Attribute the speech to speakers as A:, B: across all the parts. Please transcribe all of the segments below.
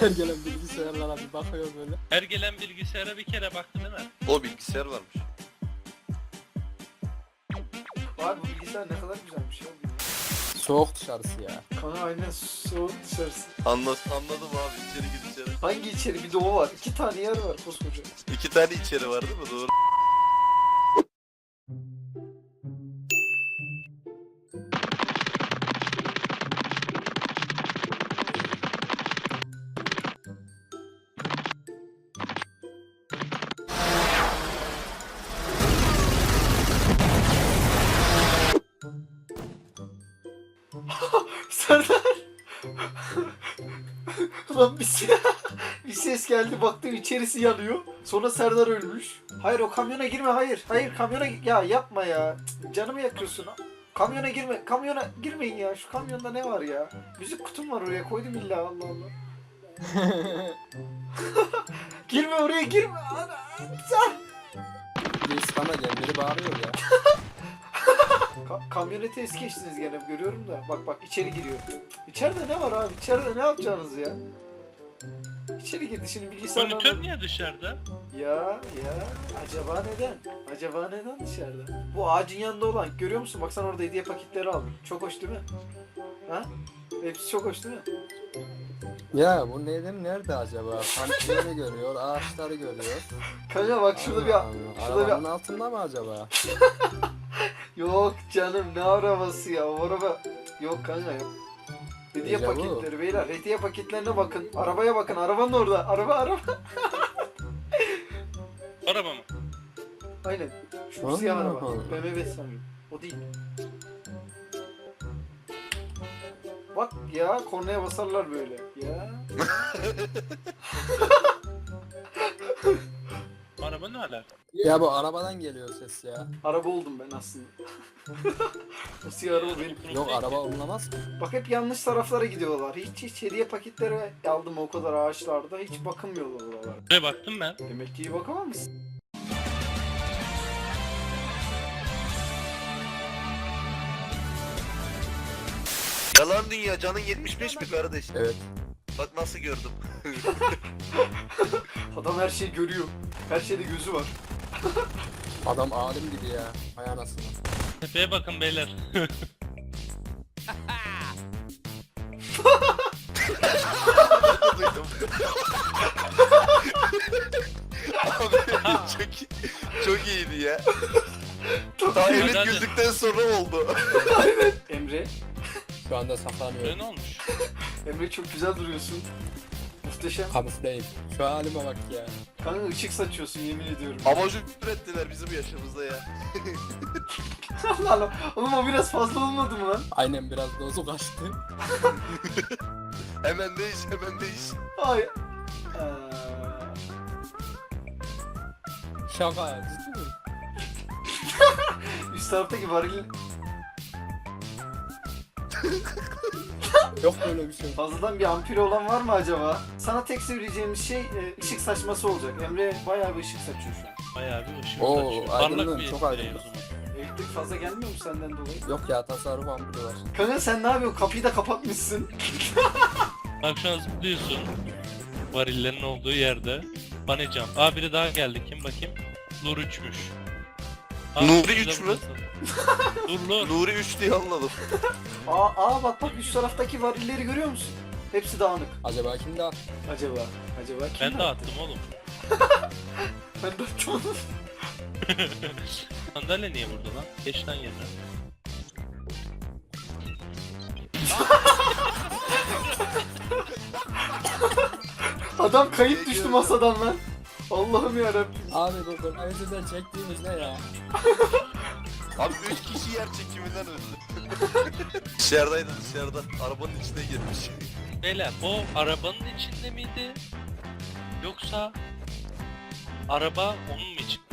A: Her gelen bilgisayarlara bir bakıyor böyle.
B: Her gelen bilgisayara bir kere baktı değil mi?
C: O bilgisayar varmış.
D: Abi bu bilgisayar ne kadar güzelmiş ya.
A: Soğuk dışarısı ya.
D: Kana aynen soğuk dışarısı.
C: Anladım abi, içeri gir içeri.
D: Hangi içeri? Bir de o var. 2 tane yer var koskoca.
C: 2 tane içeri var değil mi? Doğru.
D: Serdar. Lan bir ses geldi, baktım içerisi yanıyor. Sonra Serdar ölmüş. Hayır o kamyona girme, hayır. Hayır kamyona ya yapma ya. Cık, canımı yakıyorsun. Kamyona girme. Kamyona girmeyin ya. Şu kamyonda ne var ya? Müzik kutum var oraya koydum illa, Allah Allah. Girme oraya, girme. Ana,
A: Birisi bana gel, biri bağırıyor ya.
D: kamyonete es geçtiniz gene, görüyorum da. Bak içeri giriyor. İçeride ne var abi? İçeride ne yapacaksınız ya? İçeri girdi şimdi bilgisayardan.
B: Monitör niye dışarıda?
D: Ya acaba neden? Acaba neden dışarıda? Bu ağacın yanında olan, görüyor musun? Bak sen orada hediye paketleri aldım. Çok hoş değil mi? Ha? Hepsi çok hoş değil mi?
A: Ya bu neden nerede acaba? Kampileri görüyor, ağaçları görüyor.
D: Kanka bak şurada bir...
A: Allah,
D: şurada bir...
A: arabanın altında mı acaba?
D: Yok canım, ne arabası ya? O araba... Yok kanka yok. Hediye
A: Dejavu.
D: paketleri beyler. Hediye paketlerine bakın. Arabaya bakın. Arabanın orada. Araba.
B: Araba mı?
D: Aynen. Şu
A: Allah
D: siyah araba.
A: Allah.
D: BMW sanıyorum. O değil. Bak ya, kornaya basarlar böyle. Ya.
B: Araba ne alaka?
A: Ya bu arabadan geliyor ses ya.
D: Araba oldum ben aslında. O siyah araba benim.
A: Yok araba olunamaz ki.
D: Bak hep yanlış taraflara gidiyorlar. Hiç hediye paketleri aldım o kadar ağaçlarda. Hiç bakılmıyorlar oralar.
B: Buraya baktım ben.
D: Demek ki iyi bakamamışsın.
C: Yalan dünya, canın 75 mi kardeş?
A: Evet.
C: Bak nasıl gördüm.
D: Adam her şeyi görüyor. Her şeyde gözü var.
A: Adam alim gibi ya. Hay anasını.
B: Tepeye bakın beyler.
C: Duydum. Abi çok iyiydi ya. Daha
B: Hadi,
C: evet
B: hadi.
C: güldükten sonra oldu.
D: Emre.
A: Şu anda
B: Buraya
A: saklanıyor.
B: ne olmuş?
D: Emre çok güzel duruyorsun. Muhteşem.
A: Kamufleyim. Şu halime bak ya.
D: Kanka ışık saçıyorsun, yemin ediyorum.
C: Amacı ürettiler bizim yaşımızda ya.
D: Allah Allah. Oğlum o biraz fazla olmadı mı lan?
A: Aynen biraz dozu kaçtı.
C: Hemen değiş.
D: Ay.
A: Şaka ya, ciddi mi?
D: Üst taraftaki varil
A: Yok böyle bir şey.
D: fazladan bir ampul olan var mı acaba? Sana tek söyleyeceğimiz şey ışık saçması olacak. Emre bayağı bir ışık saçıyor şu an.
B: Bayağı bir ışık
A: Oo,
B: saçıyor.
A: aydınlığın
B: Parlak bir
A: çok
B: şey
A: aydınlık.
B: o zaman.
D: Elektrik fazla gelmiyor mu senden dolayı?
A: Yok ya, tasarruf ampulü var.
D: Kanka sen ne yapıyorsun? Kapıyı da kapatmışsın.
B: Bak şu an zıplıyorsun. Varillerin olduğu yerde. Banecam. Aa biri daha geldi. Kim bakayım? Nur 3'müş.
C: Nuri 3 mü?
B: Dur.
C: Nuri 3 diye anladım.
D: Bak üst taraftaki varilleri görüyor musun? Hepsi dağınık.
A: Acaba kimde attı?
D: Acaba kim?
B: Ben de
D: yaptı?
B: attım oğlum.
D: Ben de attım.
B: Sandalye niye burada lan? Geç lan yerine.
D: Adam kayıp düştü masadan lan. Allah'ım yarabbim.
A: Abi bu önceden çektiğimiz ne ya?
C: Abi 3 kişi yer çekiminden öldü. Dışarıda. Arabanın içine girmiş.
B: Beyler o arabanın içinde miydi? Yoksa araba onun mu için?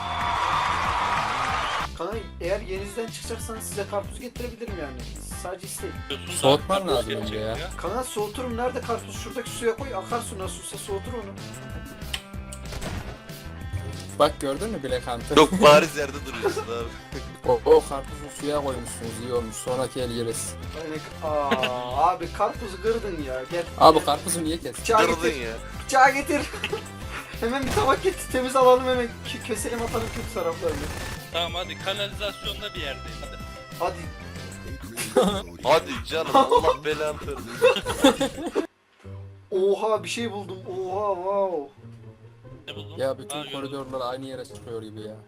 D: Kanka eğer yenizden çıkacaksanız size karpuz getirebilirim yani. Sadece isteyin.
B: Diyorsun da
A: Soğutman
B: karpuz
A: lazım
B: gelecek
A: önce ya.
D: Kanka soğuturum, nerede karpuz? Şuradaki suya koy, akarsu nasıl olsa soğutur onu.
A: Bak gördün mü Black Hunter?
C: Çok bariz yerde duruyorsun abi.
A: O karpuzu suya koymuşsunuz, iyi olmuş. Sonraki el yeriz.
D: Abi karpuzu kırdın ya. Gel.
A: Abi karpuzu niye kestin?
D: Bıçağı
C: Kırdın
D: getir.
C: ya.
D: Bıçağı getir. Hemen bir tabak getir. Temiz alalım hemen. Keselim atalım kötü taraflarını.
B: Tamam hadi kanalizasyonda bir yerdeyiz. Hadi.
D: Hadi.
C: Hadi canım Allah belanı versin.
D: Oha bir şey buldum. Oha wow.
B: Ne buldun?
A: Ya bütün
B: gördüm.
A: koridorlar aynı yere çıkıyor gibi ya.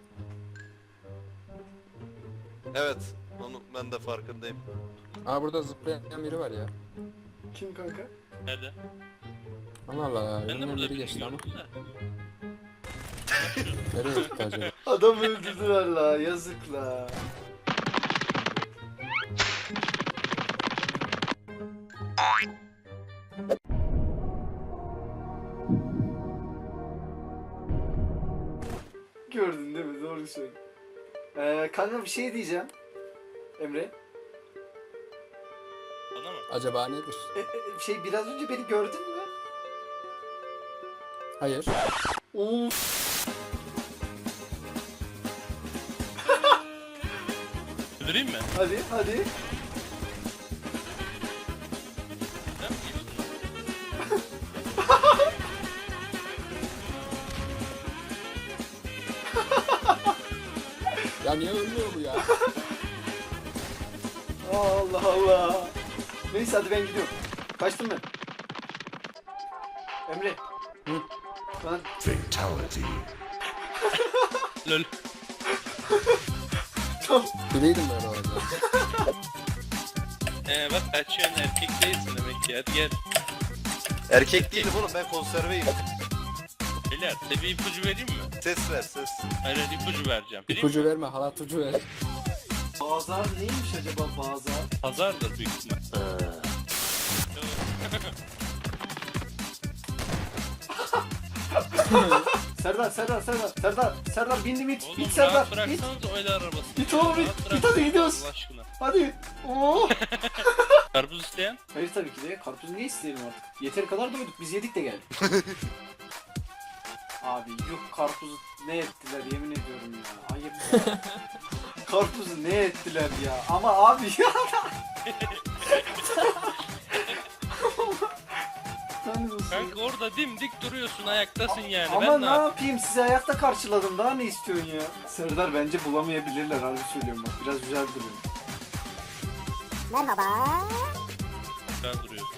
C: Evet. Onu ben de farkındayım.
A: Aa burada zıplayan biri var ya.
D: Kim kanka?
B: Nerede?
A: Allah Allah ya.
B: Ben de
A: Önümden
B: burada
A: biri
B: bir
A: geçti ama.
B: gördüm de.
A: Nereye gitti acaba?
D: Adam öldürdüler la. Yazık la. Gördün değil mi? Doğru söyle. Kanka bir şey diyeceğim. Emre.
B: Bana mı?
A: Acaba nedir?
D: Şey biraz önce beni gördün mü?
A: Hayır.
D: Oo.
B: Öldüreyim mi?
D: Hadi hadi.
B: Ben mi geçtim?
A: Ya niye ölmüyor bu ya?
D: Allah Allah. Neyse hadi ben gidiyorum. Kaçtım ben. Emre.
A: Hı?
D: Ben
B: Lol.
A: Bileydim ben o arada.
B: Bak kaçıyorsun erkek değilsin demek ki. Hadi gel.
C: Erkek değilim oğlum ben konserveyim.
B: Beyler size bir ipucu vereyim mi?
C: Ses ver ses.
B: Hayır ipucu vereceğim. Vereyim
A: İpucu
B: mi?
A: verme, halatucu ver.
D: Bazar neymiş acaba bazar?
B: Pazardır büyük ihtimal.
D: Serdar bindim it.
B: Oğlum
D: İt Serdar.
B: rahat
D: İt.
B: bıraksanız öyle arabasını.
D: Git oğlum,
B: Rahat
D: git.
B: bırak.
D: Git, hadi gidiyoruz.
B: Allah aşkına.
D: Hadi. Oo.
B: Karpuz isteyen?
D: Hayır tabii ki de karpuz niye isteyelim artık? Yeteri kadar doyduk biz yedik de geldik. Abi yok karpuzu ne ettiler yemin ediyorum ya. Ayıp ya. Karpuzu ne ettiler ya. Ama abi ya.
B: Kanka orada dimdik duruyorsun ayaktasın yani.
D: Ama
B: Ben
D: ne
B: ne yapayım?
D: yapayım sizi ayakta karşıladım daha ne istiyorsun ya? Serdar bence bulamayabilirler harbi söylüyorum bak biraz güzel duruyor.
B: Ben duruyorsun.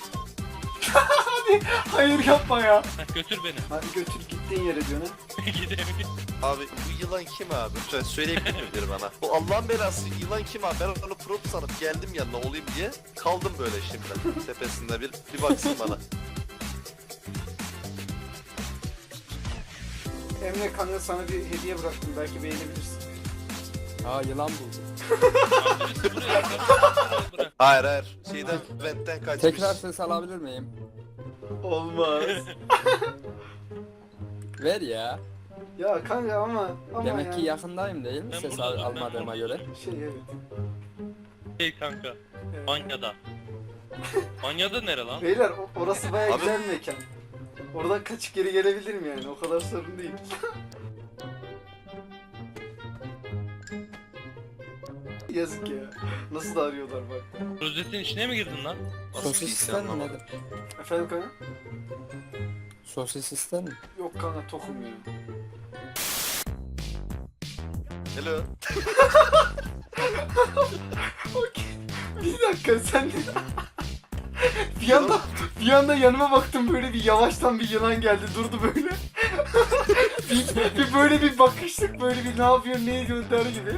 D: Hayır yapma ya.
B: Heh, götür beni.
D: Hadi götür gittiğin yere diyorsun ha.
B: Gidelim.
C: Abi bu yılan kim abi? Lütfen söyleyebilir mi biri bana? Bu Allah'ın belası yılan kim abi? Ben onu prop sanıp geldim yanına olayım diye kaldım böyle şimdi tepesinde bir baksın bana.
D: Emre kanka sana bir hediye bıraktım belki beğenebilirsin.
A: Aa yılan buldum.
B: Birisi buraya karpuz bırak.
C: Hayır şeyden ventten kaçmış.
A: Tekrar ses alabilir miyim?
D: Olmaz.
A: Ver ya.
D: Ya kanka ama
A: Demek
D: ya.
A: ki yakındayım değil mi
B: Ben
A: ses
B: burada, ben
A: almadığıma
B: burada.
A: göre?
D: Şey evet.
B: Hey kanka. Manya'da. Manya'da nere lan?
D: Beyler orası baya
C: Abi-
D: güzel bir mekan. Oradan kaçıp geri gelebilirim yani o kadar sorun değil. Yazık ya. Nasıl da arıyorlar bak.
B: Rozetin içine mi girdin lan?
A: Sosis ister mi nedir?
D: Efendim kanka?
A: Sosis ister mi?
D: Yok kanka tokum ya.
C: Hello.
D: Bir dakika sen bir anda yanıma baktım böyle bir yavaştan bir yılan geldi durdu böyle. bir böyle bir bakıştık böyle bir ne yapıyor ne ediyor der gibi.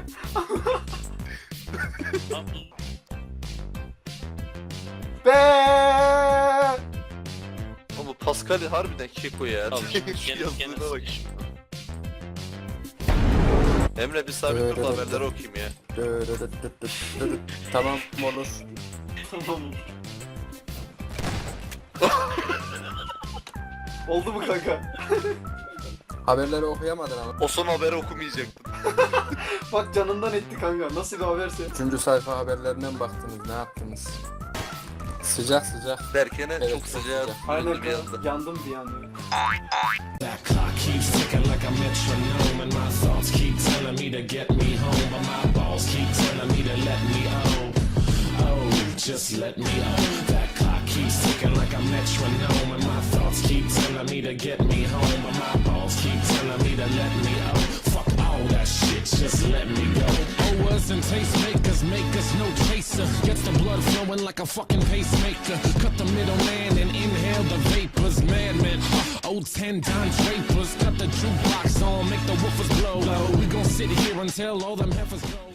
D: Be.
C: Ama bu Pascal harbiden keko ya.
B: Al,
C: Şu
B: gene
C: yazılığına bak.
B: sıkış.
C: Emre bir sabit dur da haberleri okuyayım ya.
A: Tamam olur.
D: Tamam. Oldu mu kanka?
A: Haberleri okuyamadın ama.
C: O son haberi okumayacaktım.
D: Bak canından etti kanka. Nasıl bir haberse.
A: 3. sayfa haberlerine mi baktınız? Ne yaptınız? Sıcak sıcak.
C: Derken'e
A: Evet,
C: çok
A: çok
C: sıcağı
A: sıcak.
D: Aynen
C: bir anda.
D: yandım bir anda.
E: That clock keeps ticking like a metronome, and my thoughts keep telling me to get me home, but my balls keep telling me to let me just let me That clock keeps ticking like a metronome, and my thoughts keep telling me to get me home, but my balls keep telling me to let me Fuck all that shit, just let me go. Owers and tastemakers make us no chaser. Gets the blood flowing like a fucking pacemaker. Cut the middleman and inhale the vapors. Madman, old 10 Don Drapers. Cut the jukebox on, make the woofers blow. We gon' sit here until all them heifers go.